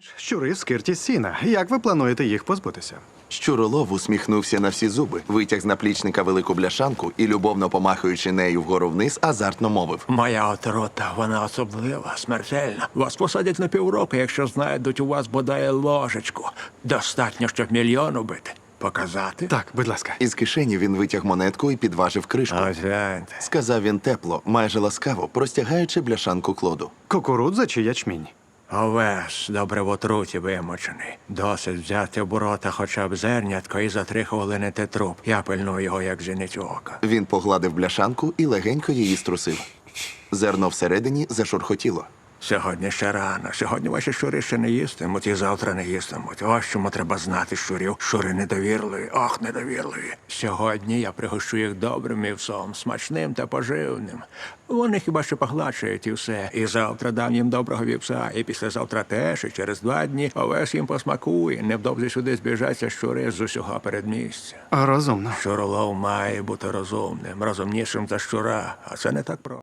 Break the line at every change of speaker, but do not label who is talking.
Щури скирті з сіна. Як ви плануєте їх позбутися?
Щуролов усміхнувся на всі зуби, витяг з наплічника велику бляшанку і, любовно помахуючи нею вгору вниз, азартно мовив.
Моя отрута, вона особлива, смертельна. Вас посадять на півроку, якщо знайдуть у вас бодай ложечку. Достатньо, щоб мільйон убити. Показати?
Так, будь ласка.
Із кишені він витяг монетку і підважив кришку.
Ось гляньте.
Сказав він тепло, майже ласкаво, простягаючи бляшанку Клоду.
Кукурудза чи ячмінь?
Овес, добре в отруті вимочений. Досить взяти в рота хоча б зернятко і за 3 хвилини те труп. Я пильную його, як зіницю ока.
Він погладив бляшанку і легенько її струсив. Зерно всередині зашурхотіло.
Сьогодні ще рано. Сьогодні ваші щури ще не їстимуть і завтра не їстимуть. Ось чому треба знати щурів. Щури недовірливі, ох, недовірливі. Сьогодні я пригощу їх добрим вівсом, смачним та поживним. Вони хіба що погладшують і все. І завтра дам їм доброго вівса, і післязавтра теж, і через 2 дні овес їм посмакує. Невдовзі сюди збіжаться щури з усього передмістя.
Розумно.
Щуролов має бути розумним, розумнішим за щура, а це не так просто.